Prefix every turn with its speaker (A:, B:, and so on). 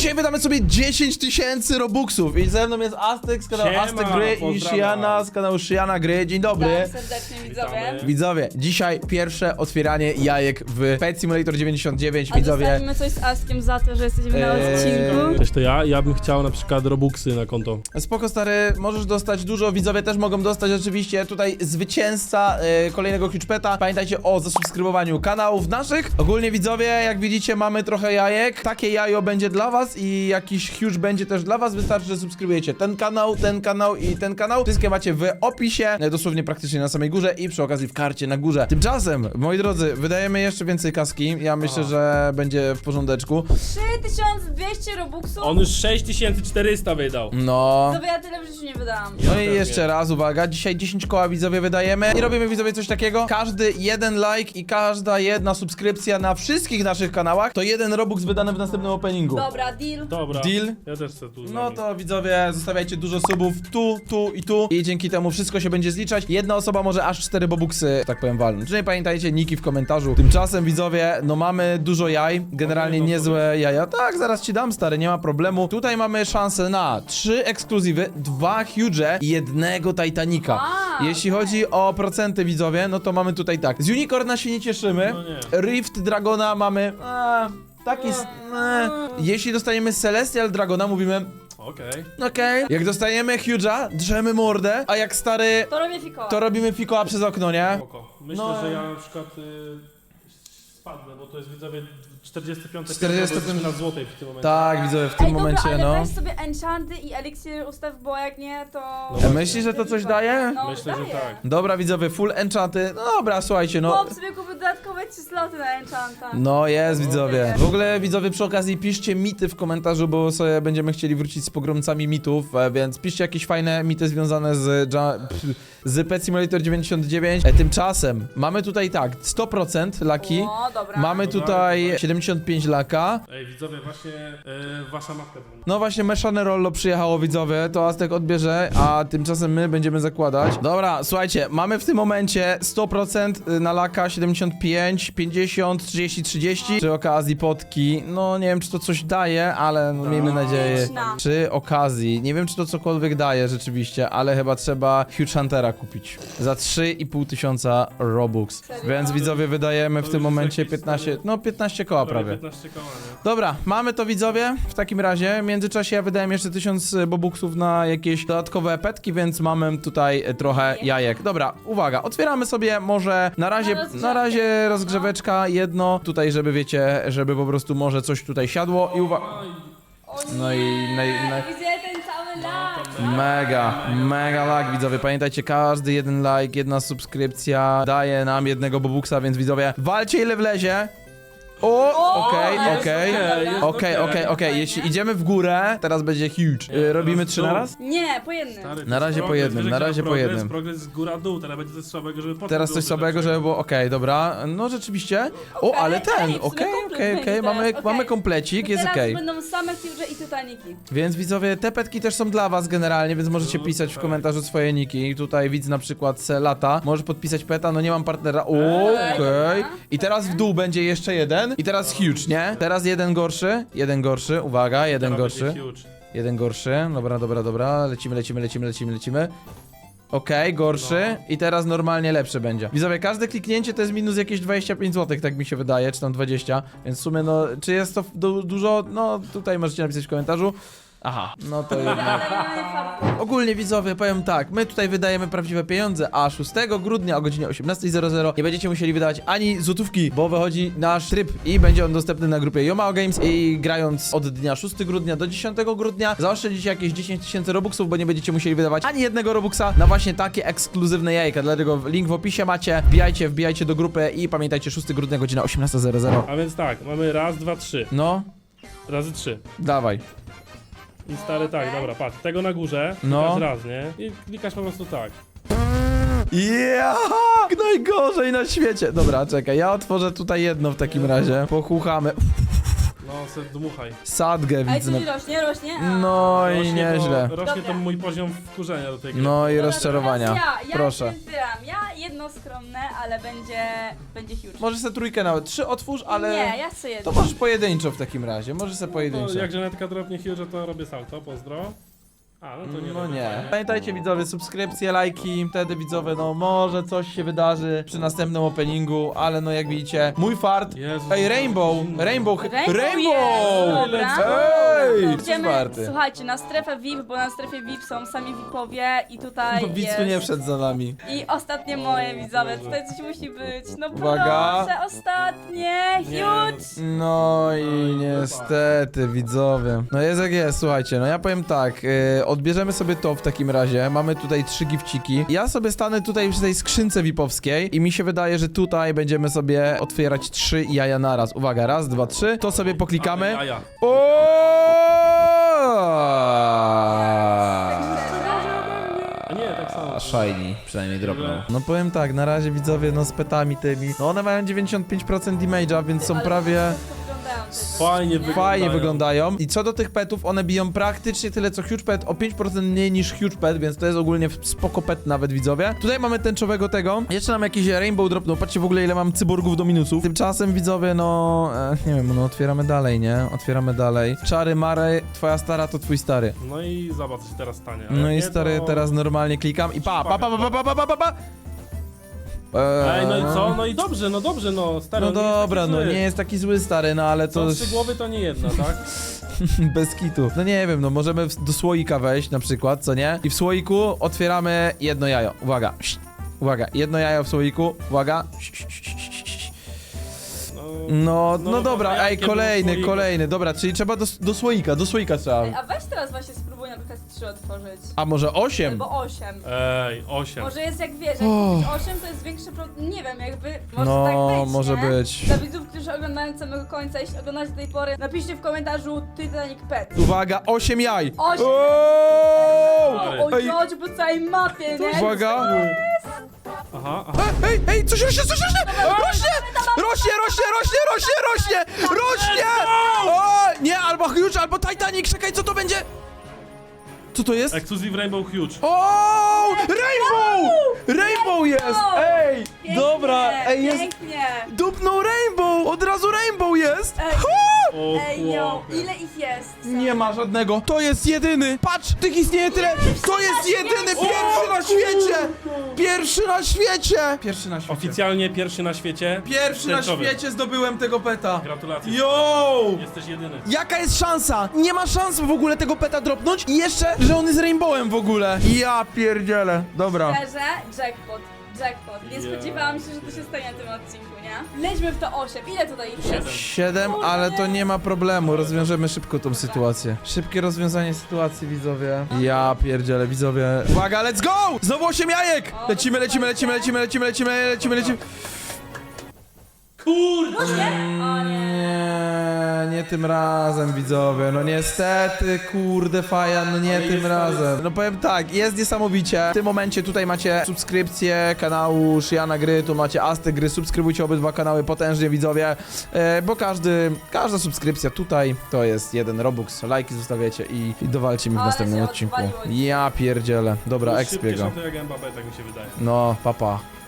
A: Dzisiaj wydamy sobie 10 000 robuxów i ze mną jest Aztek z kanału
B: Siema,
A: Aztek Gry i
B: pozdrawiam.
A: Shiana z kanału Shiana Gry. Dzień dobry.
C: Tak, serdecznie widzowie.
B: Witamy.
A: Widzowie, dzisiaj pierwsze otwieranie jajek w Pet Simulator 99,
C: A
A: widzowie.
C: dostaniemy coś z Askiem za to, że jesteśmy na odcinku.
B: Cześć, to ja bym chciał na przykład robuxy na konto.
A: Spoko stary, możesz dostać dużo, widzowie też mogą dostać oczywiście tutaj zwycięzca kolejnego Huge Peta. Pamiętajcie o zasubskrybowaniu kanałów naszych. Ogólnie widzowie, jak widzicie mamy trochę jajek. Takie jajo będzie dla was i jakiś Huge będzie też dla was. Wystarczy, że subskrybujecie ten kanał i ten kanał. Wszystkie macie w opisie, dosłownie praktycznie na samej górze i przy okazji w karcie na górze. Tymczasem, moi drodzy, wydajemy jeszcze więcej kaski. Ja myślę, że będzie w porządeczku.
C: 3200 robuxów?
B: On już 6400 wydał.
A: No.
C: Widzowie, ja tyle w życiu nie wydałam.
A: No
B: Ja
A: i
B: też
A: jeszcze
B: nie.
A: raz, uwaga, dzisiaj 10 koła widzowie wydajemy i robimy widzowie coś takiego. Każdy jeden like i każda jedna subskrypcja na wszystkich naszych kanałach to jeden robux wydany w następnym openingu.
C: Dobra, deal.
B: Dobra.
A: Deal?
B: Ja też chcę tu z
A: No
B: nami.
A: to widzowie, zostawiajcie dużo subów tu i dzięki temu wszystko się będzie zliczać. Jedna osoba może aż 4 bobuksy, tak powiem, walnąć. Czyli pamiętajcie, niki w komentarzu. Tymczasem widzowie, no mamy dużo jaj, generalnie niezłe jaja. Tak, zaraz ci dam stary, nie ma problemu. Tutaj mamy szansę na 3 ekskluzywy, 2 huge i 1 Titanica.
C: A,
A: Jeśli chodzi o procenty widzowie, no to mamy tutaj tak. Z Unicorna się nie cieszymy.
B: No nie.
A: Rift Dragona mamy... taki... Jeśli dostaniemy Celestial Dragona, mówimy...
B: Okej.
A: Okej. Jak dostajemy Huge'a, drzemy mordę, a jak stary,
C: to robię fikoła.
A: to robimy fikoła przez okno, nie?
B: Spoko. Myślę,
A: No.
B: że ja na przykład spadnę, bo to jest widzowie 45
A: 45
B: na złotej w tym momencie.
A: Tak, widzowie, w tym
C: Ej,
A: momencie,
C: dobra, ale
A: no.
C: weź sobie enchanty i eliksir ustaw, bo jak nie, to...
B: No.
A: Myślisz, że to coś daje?
C: No,
B: Myślę, że
C: daje.
B: tak.
A: Dobra, widzowie, full enchanty. No dobra, słuchajcie, no.
C: Chłop sobie kupił dodatkowe 3 sloty na enchanta.
A: No jest, widzowie. W ogóle, widzowie, przy okazji piszcie mity w komentarzu, bo sobie będziemy chcieli wrócić z pogromcami mitów, więc piszcie jakieś fajne mity związane z Pet Simulator 99. Tymczasem mamy tutaj tak, 100% laki.
C: O, dobra.
A: Mamy tutaj 75 laka.
B: Ej, widzowie, właśnie wasza matka dzwoni.
A: No właśnie, Meszane Rollo przyjechało, widzowie, to Aztek odbierze, a tymczasem my będziemy zakładać. Dobra, słuchajcie, mamy w tym momencie 100% na laka, 75, 50, 30, 30. Przy okazji potki, no nie wiem, czy to coś daje, ale no, miejmy nadzieję.
C: Liczna.
A: Przy okazji, nie wiem, czy to cokolwiek daje rzeczywiście, ale chyba trzeba Huge Huntera kupić. Za 3500 Robux.
C: Serio?
A: Więc widzowie, wydajemy w
B: To
A: tym
B: już jest
A: momencie
B: jakieś
A: 15, no 15 koła prawie.
B: 15 koła, nie?
A: Dobra, mamy to widzowie. W takim razie, w międzyczasie ja wydałem jeszcze 1000 bobuksów na jakieś dodatkowe petki, więc mamy tutaj trochę jajek. Dobra, uwaga, otwieramy sobie może na razie rozgrzeweczka jedno, tutaj żeby wiecie, żeby po prostu może coś tutaj siadło i uwaga.
C: O
A: No i
C: Gdzie ten cały lag?
A: mega lag, widzowie. Pamiętajcie, każdy jeden like, jedna subskrypcja daje nam jednego bobuksa, więc widzowie, walcie ile wlezie. Okej. Jeśli idziemy w górę, teraz będzie huge. Robimy 3 na raz?
C: Nie, po jednym.
B: Stary, to
A: Na
B: jest
A: razie po
B: progres,
A: jednym,
B: wiesz,
A: na
B: jak
A: razie po
B: progres,
A: jednym.
B: Progres z góra-dół, teraz będzie coś słabego, żeby potem
A: Teraz
B: było
A: coś słabego, żeby było okej, dobra. No rzeczywiście. O, ale ten,
C: w sumie komplet
A: okej,
C: będzie
A: mamy,
C: teraz,
A: mamy
C: okej.
A: komplecik, jest
C: Teraz
A: okej.
C: będą same Huge i Titaniki.
A: Więc widzowie, te petki też są dla was generalnie, więc możecie pisać w komentarzu swoje niki. Tutaj widz na przykład Lata, może podpisać peta, no nie mam partnera. Okej. I teraz w dół będzie jeszcze jeden. I teraz huge, nie? Teraz jeden gorszy, uwaga, jeden
B: Teraz
A: gorszy.
B: będzie huge.
A: Jeden gorszy, dobra, lecimy. Okej, gorszy
B: No.
A: i teraz normalnie lepszy będzie. Widzowie, każde kliknięcie to jest minus jakieś 25 zł, tak mi się wydaje, czy tam 20, więc w sumie no, czy jest to dużo? No, tutaj możecie napisać w komentarzu. Aha, no to jednak.
C: Ale mamy farta.
A: Ogólnie widzowie, powiem tak, my tutaj wydajemy prawdziwe pieniądze, a 6 grudnia o godzinie 18:00 nie będziecie musieli wydawać ani złotówki, bo wychodzi nasz tryb i będzie on dostępny na grupie Yomao Games i grając od dnia 6 grudnia do 10 grudnia zaoszczędzicie jakieś 10 000 robuxów, bo nie będziecie musieli wydawać ani jednego robuxa na właśnie takie ekskluzywne jajka, dlatego link w opisie macie, wbijajcie do grupy i pamiętajcie 6 grudnia godzina 18:00.
B: A więc tak, mamy raz, dwa, trzy.
A: No,
B: Razy 3.
A: dawaj.
B: I stary, tak, dobra, patrz, tego na górze,
A: No.
B: klikasz raz, nie? I klikasz po prostu tak.
A: Najgorzej na świecie. Dobra, czekaj, ja otworzę tutaj jedno w takim razie. Pochuchamy.
B: No, se dmuchaj.
A: Sadgę
C: A i
A: widzę.
C: tu rośnie? A.
A: No i
B: Rośnie
A: nieźle.
B: To, rośnie to
C: Dobra.
B: mój poziom wkurzenia do tej gry.
A: No i
C: Dobra,
A: rozczarowania.
C: teraz ja
A: Proszę.
C: się zbieram. Ja jedną jedno skromne, ale będzie huge.
A: Możesz sobie trójkę nawet, 3 otwórz, ale...
C: Nie, ja chcę jedno.
A: To możesz pojedynczo w takim razie, możesz sobie
B: To
A: pojedynczo.
B: jak Żanetka dropnie huge, to robię salto, pozdro. A, no to nie
A: No
B: robię,
A: nie.
B: fajnie.
A: Pamiętajcie widzowie, subskrypcje, lajki, wtedy widzowie, no może coś się wydarzy przy następnym openingu, ale no jak widzicie, mój fart.
B: Jezus,
A: Ej, Rainbow!
C: Rainbow jest, dobra.
A: Ej!
C: Idziemy,
A: Czwarty.
C: słuchajcie, na strefę VIP, bo na strefie VIP są sami VIPowie i tutaj
A: Bo widz
C: jest...
A: tu nie wszedł za nami.
C: I ostatnie moje widzowie, tutaj coś musi być. No
A: Uwaga.
C: proszę, ostatnie,
B: Nie.
C: huge!
A: No i niestety, widzowie. No jest jak jest, słuchajcie, no ja powiem tak, odbierzemy sobie to w takim razie, mamy tutaj 3 gifciki. Ja sobie stanę tutaj przy tej skrzynce VIP-owskiej i mi się wydaje, że tutaj będziemy sobie otwierać 3 jaja naraz. Uwaga, raz, dwa, 3, to sobie poklikamy.
B: Ale jaja. A nie, tak samo.
A: Shiny, przynajmniej dropnął. No powiem tak, na razie widzowie, no z petami tymi, no one mają 95% damage'a, więc są
C: Ale
A: prawie...
B: Fajnie wyglądają.
A: Fajnie wyglądają. I co do tych petów, one biją praktycznie tyle co Huge Pet, o 5% mniej niż Huge Pet, więc to jest ogólnie spoko pet nawet, widzowie. Tutaj mamy tęczowego tego. Jeszcze nam jakiś Rainbow drop, no patrzcie w ogóle ile mam cyborgów do minusów. Tymczasem, widzowie, no... nie wiem, no otwieramy dalej, nie? Otwieramy dalej. Czary Mary, twoja stara to twój stary.
B: No i zobacz, co się teraz stanie. A
A: No
B: jak
A: i
B: nie,
A: stary,
B: to...
A: teraz normalnie klikam i pa.
B: Ej, no i co? No i dobrze, no stary.
A: No
B: on nie jest
A: dobra,
B: taki
A: no
B: zły.
A: nie jest taki zły, stary, no ale to...
B: Co 3 głowy to nie jedna, tak?
A: Bez kitu. No nie wiem, no możemy do słoika wejść na przykład, co nie? I w słoiku otwieramy jedno jajo. Uwaga. Uwaga, jedno jajo w słoiku. Uwaga. No dobra, ej,
B: jakie było słoiku?
A: kolejny. Dobra, czyli trzeba do słoika trzeba.
C: A weź teraz właśnie spróbuj na przykład 3 otworzyć.
A: A może 8?
C: Albo 8.
B: Ej, 8.
C: Może jest jak wiesz, jak
A: Oh.
C: 8 to jest większy problem, nie wiem, jakby może
A: No,
C: tak być,
A: może
C: nie?
A: być.
C: Dla widzów, którzy oglądają od samego końca, jeśli oglądacie do tej pory, napiszcie w komentarzu Titanic Pet.
A: Uwaga, 8 jaj.
C: 8.
A: Ooo!
C: O
A: Ej,
C: Jodź, po całej mapie, nie?
A: uwaga.
B: Aha.
A: Ej, coś rośnie! Rośnie! O, nie, albo Huge, albo Titanic, czekaj, co to będzie? Co to jest?
B: Exclusive Rainbow Huge.
A: O, Rainbow jest! Ej,
C: Pięknie,
A: dobra, ej, jest...
C: Pięknie.
A: Dupnął Rainbow! Od razu Rainbow jest!
C: Ej.
A: Ha!
B: O,
C: Ej, yo,
B: chłopie.
C: ile ich jest?
A: Nie ma żadnego. To jest jedyny! Patrz, tych istnieje tyle! To jest jedyny! Pierwszy na świecie! Pierwszy na świecie! Pierwszy na świecie.
B: Oficjalnie pierwszy na świecie.
A: Pierwszy na
B: tęczowy.
A: świecie zdobyłem tego peta.
B: Gratulacje.
A: Yo!
B: Jesteś jedyny.
A: Jaka jest szansa? Nie ma szans w ogóle tego peta dropnąć i jeszcze, że on jest Rainbowem w ogóle. Ja pierdzielę. Dobra.
C: Szczerze, jackpot. Nie spodziewałam się, że to się stanie na tym odcinku, nie? Lećmy w to 8. Ile tutaj ich jest?
A: 7, ale to nie ma problemu. Rozwiążemy szybko tą sytuację. Szybkie rozwiązanie sytuacji, widzowie. Ja pierdzielę, widzowie. Uwaga, let's go! Znowu 8 jajek! Lecimy.
B: Kurde!
C: O nie.
A: Nie tym razem, widzowie. No niestety, kurde, Fajan, no nie
B: Ale
A: tym
B: jest
A: razem. No powiem tak, jest niesamowicie. W tym momencie tutaj macie subskrypcję kanału Szyjana Gry, tu macie Asty Gry. Subskrybujcie obydwa kanały potężnie, widzowie, bo każda subskrypcja tutaj to jest 1 Robux. Lajki zostawiacie i dowalcie mi w
C: Ale
A: następnym
C: się
A: odcinku.
C: odwaliło.
A: Ja pierdzielę. Dobra,
B: Szybkie
A: expiego.
B: szoty jak Mbappé, tak mi się wydaje.
A: No, papa.